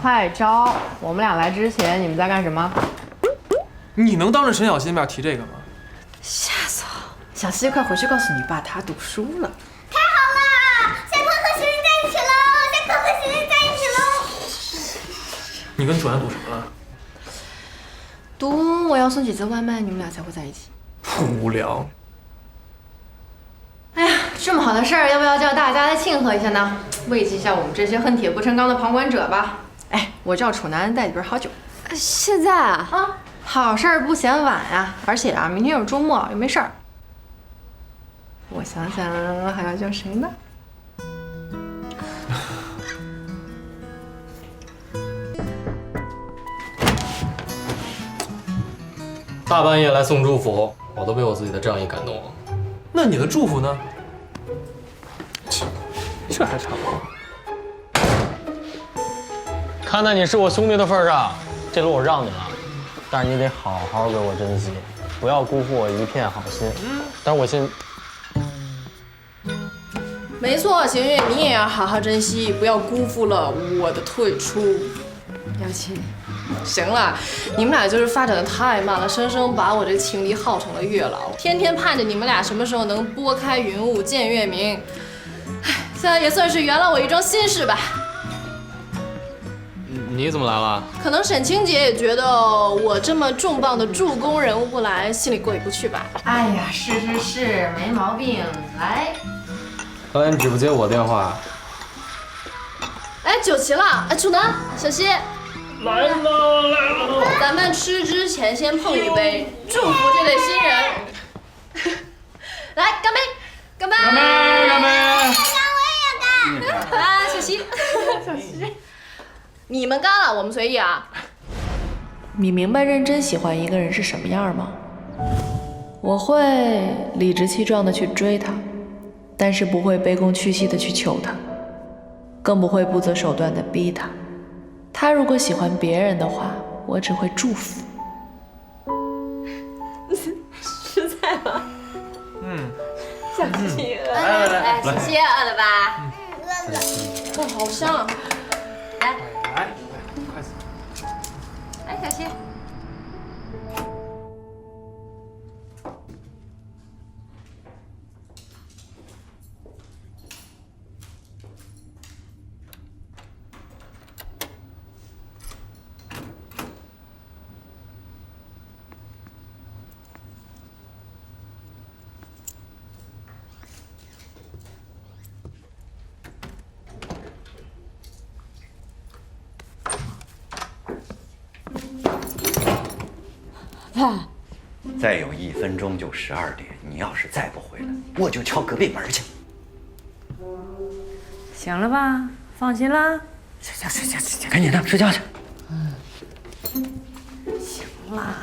快招！我们俩来之前，你们在干什么？ 你能当着陈小希面提这个吗？ 吓死我！小希，快回去告诉你爸，他读书了。 太好了，小偷和行人在一起喽！小偷和行人在一起喽！ 你跟楚安赌什么了？ 读我要送几次外卖，你们俩才会在一起。 无聊。 哎呀，这么好的事儿，要不要叫大家来庆贺一下呢？慰藉一下我们这些恨铁不成钢的旁观者吧。哎，我叫楚南带几瓶好酒。 现在啊？ 啊，好事儿不嫌晚呀！而且啊，明天又是周末，又没事儿。我想想，还要叫谁呢？ 大半夜来送祝福，我都被我自己的仗义感动了。 那你的祝福呢？这还差不多。 看在你是我兄弟的份上，这路我让你了，但是你得好好给我珍惜，不要辜负我一片好心。但是我信。 没错，邢月，你也要好好珍惜，不要辜负了我的退出。姚琴，行了，你们俩就是发展的太慢了，生生把我这情敌耗成了月老，天天盼着你们俩什么时候能拨开云雾见月明。唉，现在也算是圆了我一桩心事吧。 你怎么来了？ 可能沈清姐也觉得我这么重磅的助攻人物不来，心里过意不去吧。 哎呀，是，没毛病。来， 刚才你只不接我电话。 哎，酒齐了，哎，楚南、小希， 来了。 咱们吃之前先碰一杯，祝福这对新人。来，干杯！干杯！ 干杯！干杯！ 我也要干。 来，小希，小希，你们干了，我们随意啊。你明白认真喜欢一个人是什么样吗？我会理直气壮的去追他，但是不会卑躬屈膝的去求他，更不会不择手段的逼他。他如果喜欢别人的话，我只会祝福。实在吗？小希， 来，小希饿了吧？饿了。 哇，好香啊！ 来，筷子。 来，小希。 爸，再有1分钟就12点，你要是再不回来，我就敲隔壁门去。 行了吧？放心啦。 睡觉，赶紧的睡觉去。 行啦。